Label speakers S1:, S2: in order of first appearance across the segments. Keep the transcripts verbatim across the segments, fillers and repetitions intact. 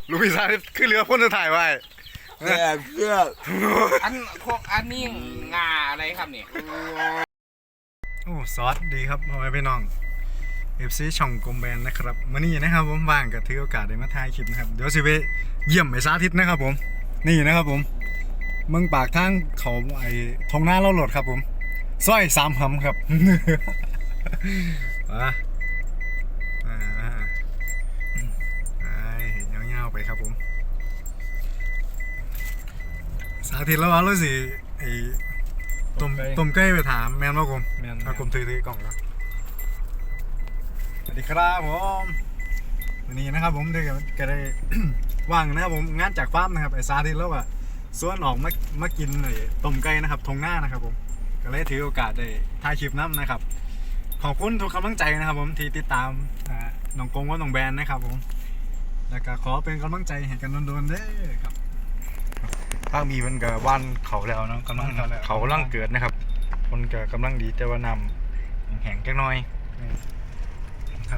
S1: ลูกพี่สาวขึ้นเรือพ่นจะถ่ายไว้
S2: แก่เสื้อ
S3: อันพวกอันนี้งาอะไรครับเนี่ย
S1: โอ้ซอสดีครับพ่อแม่พี่น้อง เอฟ ซี ช่องกลมแบนนะครับมื้อนี้นะครับผมว่างก็ถือโอกาสได้มาถ่ายคลิปนะครับเดี๋ยวสิไปเยี่ยมไอ้สาธิตนะครับผมนี่นะครับผมเมืองปากทางเขาไอ้ทงหน้าเล่าโหลดครับผมสร้อยสามหำครับ อ่ะอ่าไปเห็นเงาๆไปครับผมสาธิตแล้วว่ารู้สิไอ้ต้มต้มไก่ไปถามแมนว่าผมแมนเอาผมถือถือกล่องแล้วสวัสดีครับผมวันนี้นะครับผมได้ก็ได้ ว่างนะครับผมงานจากฟาร์มนะครับไอ้สาธิตแล้วว่าส่วนออกมามากินไอ้ต้มไก่นะครับทงหน้านะครับผมก็เลยถือโอกาสได้ถ่ายคลิปน้ำนะครับขอบคุณทุกกำลังใจนะครับผมที่ติดตามน้องกงว่าน้องแบนนะครับผมแล้วก็ขอเป็นกำลังใจให้กันโดนๆเด้อครับทางมีมันก็ว่านเขาแล้วเนาะกำลังเขากำลังเกิดนะครับคนก็กำลังดีแต่ว่านำแห้งแค่น้อยครับ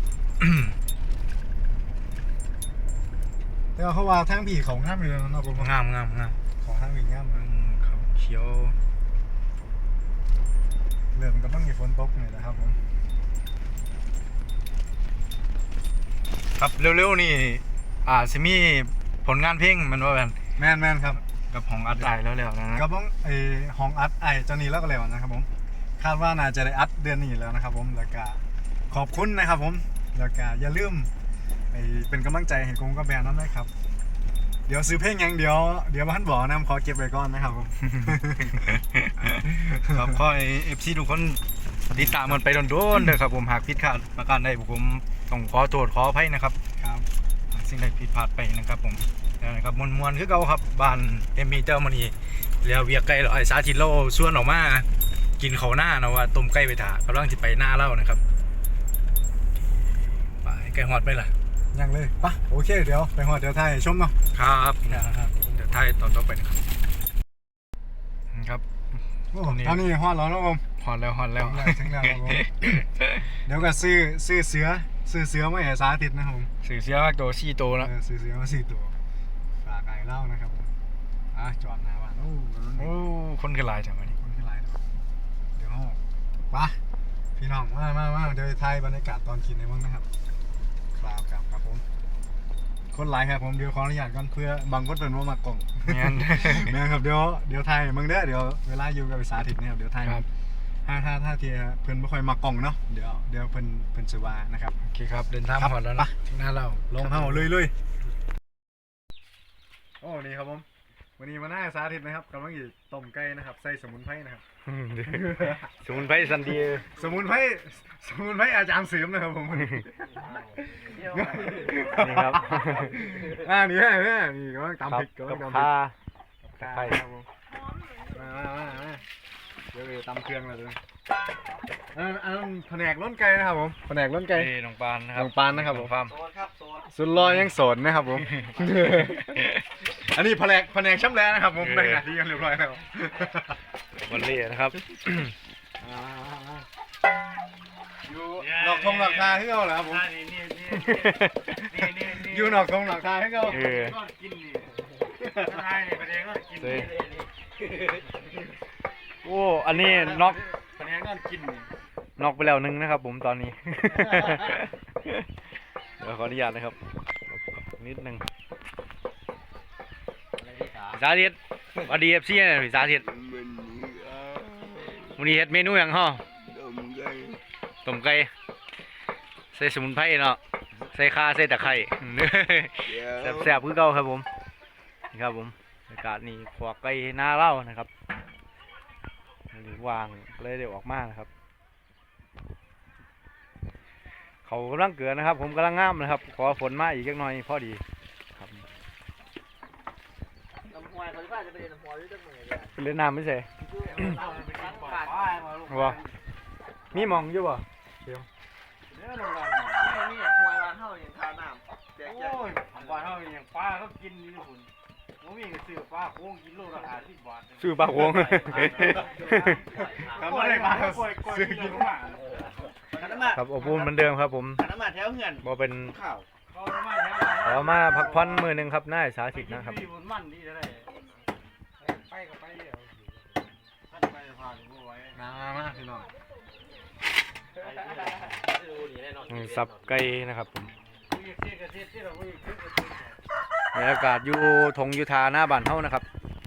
S1: แต่เขาว่าทางผีเขางามเลยนะผมงามงามงามของทางผีงามเขาเขียวเริ่มก็ต้องมีฝนตกเลยนะครับผมครับเร็วๆนี่อ่าซิมีผลงานเพลงมันว่าแบบแม่นแม่นครับกับห้องอัดไอแล้วแล้วนะกับไอห้องอัดไอเจ้านี้แล้วก็แล้วนะครับผมคาดว่าน่าจะได้อัดเดือนนี้แล้วนะครับผมแล้วก็ขอบคุณนะครับผมแล้วก็อย่าลืมไอเป็นกำลังใจให้กงกับแบรนด์นั้นด้วยครับเดี๋ยวซื้อเพลงยังเดี๋ยวเดี๋ยวบ้านบอกนะขอเก็บไว้ก่อนนะครับผมครับขอไอเอฟซีทุกคนติดตามมันไปโดนๆเลยครับผมหากผิดพลาดประการใดผมต้องขอโทษขออภัยนะครับครับสิ่งใดผิดพลาดไปนะครับผมแล้วนะครับมวลมวลคือเก่าครับบ้านเอ็มบีเจ้ามันนี่เรียวเวียกไก่ไอสาธิตโลส่วนออกมากินเขาหน้านะว่าต้มไก่ไปถ่ากำลังจะไปหน้าเล่านะครับไปไก่หอดไปล่ะยังเลยปะโอเคเดี๋ยวไปหอดเดี๋ยวไทยชมเนาะครับเดี๋ยวไทยตอนต่อไปนะครับครับตอนนี้หอดแล้วนะผมหอดแล้วหอดแล้วถึงแล้วครับผมเดี๋ยวก็ซื้อซื้อเสือซื้อเสือมาให้สาธิตนะครับผมซื้อเสือมาตัวสี่ตัวแล้วซื้อเสือมาสี่ตัวฝากไก่เล่านะครับผมอ่ะจอดหน้าบ้านโอ้โหคนขึ้นลายจังวะนี่คนขึ้นลายเดี๋ยวปะพี่น้องมามามาเดี๋ยวไทยบรรยากาศตอนกินในบ้างนะครับครับครับครับผมคนหลายครับผมเดี๋ยวขออนุญาตก่อนเพื่อบางคนเป็นว่ามากล่องแม่นแม่นครับเดี๋ยวเดี๋ยวไทยมึงเด้อเดี๋ยวเวลาอยู่กับสาธิตเนี่ยครับเดี๋ยวไทยถ้าถ้าถ้าทีเพิ่นไม่ค่อยมากล่องเนาะเดี๋ยวเดี๋ยวเพิ่นเพิ่นจะว่านะครับโอเคครับเดินทางหอดแล้วนะถึงหน้าเราลงเท้าเลยเลยโอ้นี่ครับผมวันนี้มาหน้าสาธิตนะครับกำลังอยู่ต้มไก่นะครับใส่สมุนไพรนะครับสมุนไพรสันดีสมุนไพรสมุนไพรอาจารย์เสริมนะครับผมนี่ครับอ่านี่แม่แม่นี่กำลังตำพริกกำลังตำพริกข่าไข่ครับผมมามามาเดี๋ยวไปตำเครื่องแล้วด้วยอันอันแผนกล้นไก่นะครับผมแผนกล้นไก่น้องปานนะครับน้องปานนะครับผมสุดรอยังโสดนะครับผมอันนี้แผนกแผนกช่ำแล้นะครับผมได้หน้าที่กันเรียบร้อยแล้ววันเล่นะครับอยู่นอกทงหลักคาให้เขาเหรอครับผมอยู่นอกทงหลักคาให้เขากินนี่ใช่เนี่ยประเด็นก็กินโอ้อันนี้น็อกประเด็นก็กินน็อกไปแล้วนึงนะครับผมตอนนี้เดี๋ยวขออนุญาตนะครับนิดนึงสาธิตอดีเอฟซีเนี่ยสาธิตวันนี้เฮ็ดเมนูอย่างห่อต้มไก่ใส่สมุนไพรเนาะใส่ข่าใส่ตะไคร้แซ่บๆคือเก่าครับผมนี่ครับผมอากาศนี่ขวากไก่หน้าเล่านะครับวางเลยเดี๋ยวออกมานะครับเขากำลังเกิดนะครับผมกำลังงามนะครับขอฝนมาอีกเล็กน้อยพอดีครับเล่นน้ำไม่ใช่ว้ามีมองอยู่บ่เดี๋ยวนี่นี่หวยร้านเท่าอย่างทาน้ำแจกแจกร้านเท่าอย่างปลาเขากินนี่คุณผมมีก็ซื้อปลาโค้งกิโลละห้าสิบบาทซื้อปลาโค้งทำอะไรมาซื้อกินมาครับอบอุ่นเหมือนเดิมครับผมบ่เป็นขอมาพักผ่อนมือหนึ่งครับนายสาธิตนะครับ
S3: ไปกับไปเดี๋ยว
S1: มามาพี่น้องสับไก่นะครับผมบรรยากาศอยู่ทงยูทาหน้าบ้านเฮานะครับ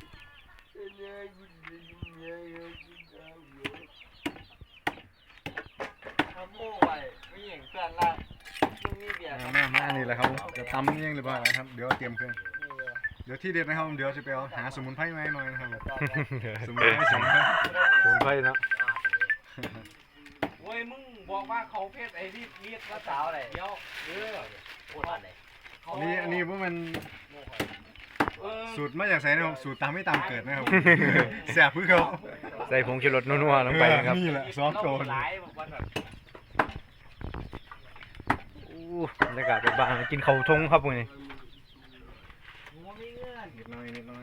S1: มามานี่แหละครับเดี๋ยวตำยังหรือเปล่าครับเดี๋ยวเตรียมเครื่องเดี๋ยวที่เด็ดนะครับเดี๋ยวจะไปเอาหาสมุนไพรมาให้หน่อยนะครับสมุนไพรสมุนไพรสมุนไพรเนาะ
S3: โอ้ยมึงบอกว่าเขาเพศไอ้ที่เรียกว่าสาวอะไรเดี๋ยวเออโคตรอะไร
S1: อันนี้อันนี้พวกมันสูตรมาจากไสนะครับสูตรตามไม่ตามเกิดนะครับแซ่บพื้นเขาใส่ผงชูรสนัวๆลงไปนะครับนี่แหละซอสโกนอู้บรรยากาศเป็นบ้านกินข้าวทงครับพวกนี้นิดหน่อยนิดหน่อย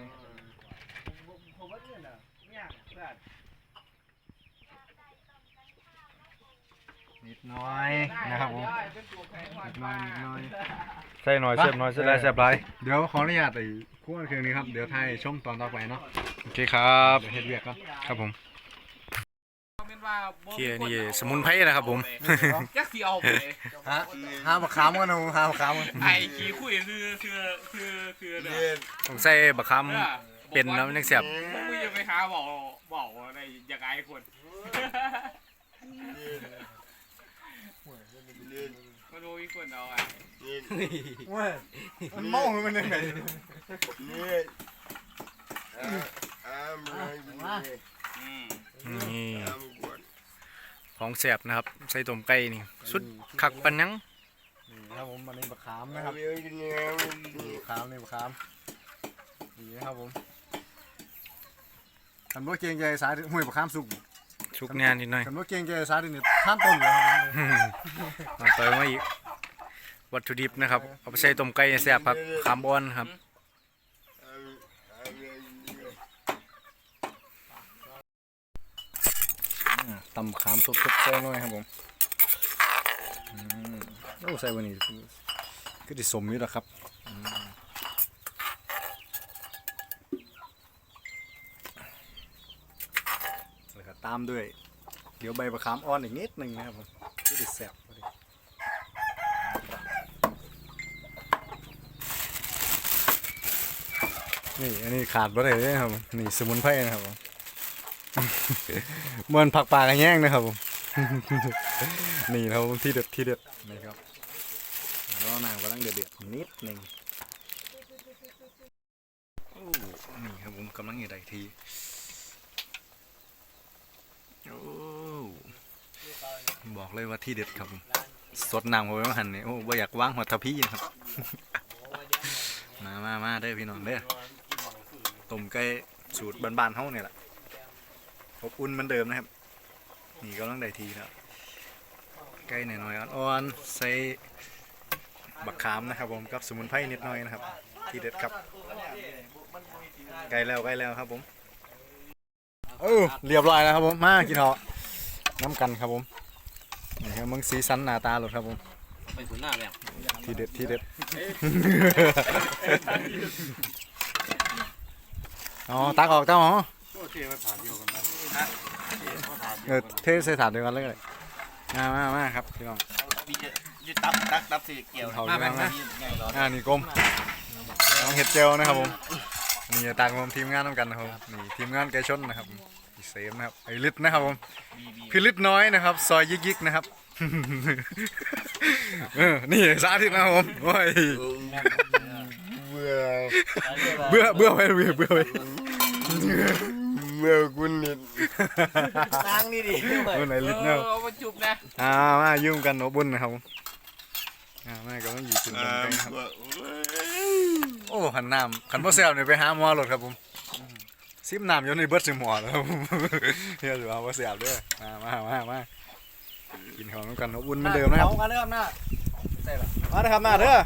S1: นิดหน่อยนะครับผมนิดหน่อยนิดหน่อยใส่หน่อยเสียบหน่อยเสียบไรเสียบไรเดี๋ยวขออนุญาตไอ้คู่เครื่องนี้ครับเดี๋ยวถ่ายชมตอนต่อไปเนาะโอเคครับเฮ็ดเวียกก็ครับผมเคียนี่สมุนไพรนะครับผม
S3: ยักษ์สีเอาไป
S1: ฮะห้ามบักขามกันนะห้ามบักขามกัน
S3: ไอ้ขี้คุยคือคือคือคือเด้อ
S1: ต้องใส่บักขามเป็นน้ำนักเสียบ
S3: มึงจะไปหาบอกบอกอะไรอย่างไรคนมาดูอีกคนเอาไอ้
S1: ว้ยมันเมามันยังไง นี่ของแสบนะครับใส่ต้มไก่นี่สุดคักปันยังนี่ครับผมมันนี่บักขามนะครับบักขามนี่บักขามดีนะครับผมขันว่าเกียงใจสายห้วยบักขามสุกสุกงานนิดหน่อยขันว่าเกียงใจสายนี่ท่านต้นเลยครับเอาไปมาอีกวัตถุดิบนะครับเอาไปใส่ต้มไก่แสบครับขามบอนครับตำขามสดๆใส่หน่อยครับผมโอ้ใส่วันนี้ก็จะสมอยู่แล้วครับแล้วก็ตามด้วยเดี๋ยวใบมะขามอ่อนอีกนิดหนึ่งนะครับผมก็จะแซ่บพอดีนี่อันนี้ขาดบ่ได้เลยครับนี่สมุนไพรนะครับผมเหมือนผักปลากระแยงนะครับผม นี่เราที่เด็ดที่เด็ดนี่ครับแล้วนางกำลังเดือดเดือดนิดหนึ่งนี่ครับผมกำลังอยู่ใดทีโอ้บอกเลยว่าที่เด็ดครับผมสดน้ำผมไม่มาหันเนี่ยโอ้บ่อยากวางหัวทะพี่ครับ มามามาเด้อพี่น้องเด้อต้มไก่สูตรบ้านๆเฮาเนี่ยแหละอบอุ่นเหมือนเดิมนะครับนี่ก็ต้องได้ทีแล้วใกล้หน่อยๆอ่อนๆใส่บักขามนะครับผมกับสมุนไพรนิดหน่อยนะครับที่เด็ดครับใกล้แล้วใกล้แล้วครับผมเออเรียบร้อยแล้วครับผมมากินเหาะน้ำกันครับผมนี่ครับมึงสีสันหน้าตาหลดครับผมไปถึงหน้าแล้วที่เด็ดที่เด็ดอ๋อตักออกเจ้าหรอเออเทใส่ถาดเดียวกันเลยมามามาครับพี่น้อง
S2: ยึดตับตักตับสีเกี่ยว
S1: มาแบบนะอ่านี่กลมน้องเห็ดเจลนะครับผมนี่ต่างผมทีมงานต้องกันนะครับนี่ทีมงานไก่ชนนะครับเซฟนะครับไอ้ลิตนะครับผมคือลิตน้อยนะครับซอยยิกยิกนะครับเออนี่สาธิตนะครับผมโอ้ยเบื่อเบื่อเบื่อไปเบื่อเบื่อไป
S2: เมื่อคุณนิด
S3: นั่งนี่ดิ
S1: เมื่อไหนลิตเนาะ
S3: มาจุบนะ
S1: อ่ามายุ่งกันโนบุญนะครับอ่ามาก็ต้องอยู่จุดตรงกลางครับโอ้ขันน้ำขันพ่อแซวเนี่ยไปหาหมอหลดครับผมซิมน้ำอยู่ในเบิร์ดซิมหมอแล้วเฮียถือว่าพ่อแซวด้วยมามามามากินของน้ำกันโนบุญเหมือนเดิมนะครับมาเด้อครับหน้าใส่ละมาเด้อครับหน้าเด้อ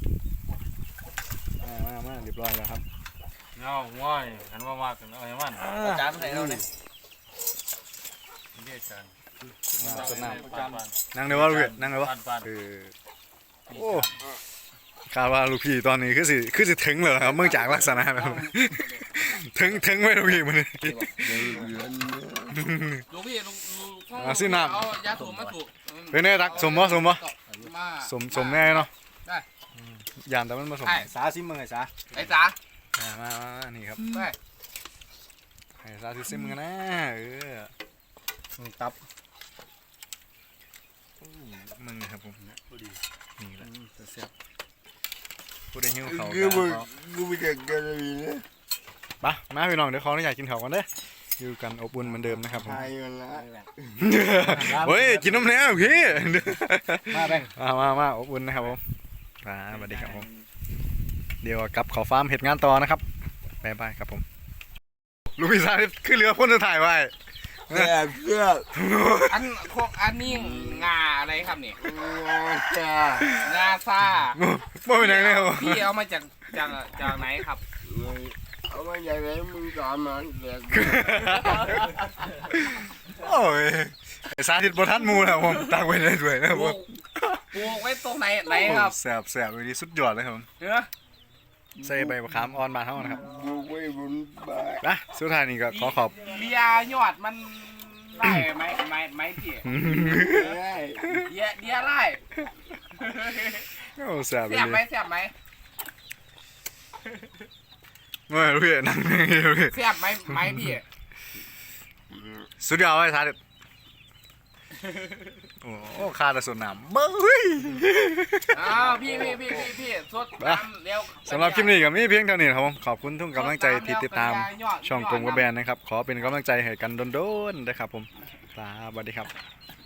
S1: มามามาเรียบร้อยแล้วครับ
S4: เงาง่อยหันว่ามากกันเอาให้มัน
S3: จานใส่เราเนี่ย
S4: เรียกกัน
S1: สนามนั่งเดี๋ยวว่าเวียดนั่งเดี๋ยวว่าเออโอ้คาดว่าลูกพี่ตอนนี้คือสิคือสิถึงเลยครับเมื่อจากลักษณะแบบถึงถึงไว้ลูกพี่มัน
S3: ลูกพี่ลูกลูกพ่อ
S1: อ่ะสิน้ำ
S3: เอายาสูบมาสูบ
S1: เป็นไงรักสมบ่สมบ่
S3: มา
S1: สมสมแน่เนาะ
S3: ได้
S1: ยานแต่มันผสม
S3: ไอ้
S1: สาซิมมึงไงสา
S3: ไอ้จ๋า
S1: อ่ามามามานี่ครับ
S3: ไป
S1: ให้สาธิตซิมมึงกันนะเออ
S4: ตับ
S1: มึงนะครับผม
S4: พอดี
S1: นี่แหละ
S4: เสียบ
S1: ผู้ใดหิวเขา
S2: คือมึง
S1: ก็
S2: กูไม่เก่งกันเลยนะ
S1: ไปมาพี่น้องเดี๋ยวขออนุญาตกินข้าวกันเด้ออยู่กันอบอุ่นเหมือนเดิมนะครับผม
S2: ทายมันละ
S1: เฮ้ยกินน้ำแน่พี่
S4: มาแบ่ง
S1: มามามาอบอุ่นนะครับผมอ่าสวัสดีครับผมเดี๋ยวกลับเขอฟาร์มเหตุงานต่อนะครับบ๊ายบายครับผมลูกพี่สาธิตขึ้นเรือพ่นจะถ่ายไว้
S2: แซ่บเสื้อ
S3: อันพวกอันนี้งาอะไรครับเนี่ย
S2: จ้าง
S3: าซ่า
S1: ไม่เป็นไรเลยครับ
S3: พี่เอามาจากจากจากไหนครับ
S2: เอามาอย่างไรมึงสอนมันเด็ก
S1: โอ้ยไอ้สาธิตบทันหมูนะครับผมตักไว้ได้ด้วยนะครับ
S3: ป
S1: ผ
S3: ลู
S1: ม
S3: กปลูกไว้ตรงไหนไหนครับ
S1: แสบแสบเลยดีสุดยอดเลยครับผม
S3: เนื้อ
S1: ใส่ใบมะขามอ่อนมาเท่านั้นครับ
S2: กูไม่บุญบาย
S1: นะสุดท้ายนี่ก็ขอขอบ
S3: เลียยอดมันได้ไหมไหมไหมพี่
S2: ได้
S3: เดียเดียไล่
S1: โอ้แสบเล
S3: เสียบไหม
S1: ย
S3: เสียบไหม
S1: ไม่รู้พี่นั่งนั่งอยู่พี่
S3: เสียบไหมไหมพี่
S1: สุดยอดเลยสาธิตโอ้คาแต่ส่วนน้ำเบ้ย
S3: อ้าวพี่พี่พี่พี่พี่สดน้ำเร็ว
S1: สำหรับคลิปนี้ก็มีเพียงเท่านี้ครับผมขอบคุณทุกกำลังใจที่ติดตามช่องกลมกระแบนนะครับขอเป็นกำลังใจให้กันโดนๆนะครับผมสวัสดีครับ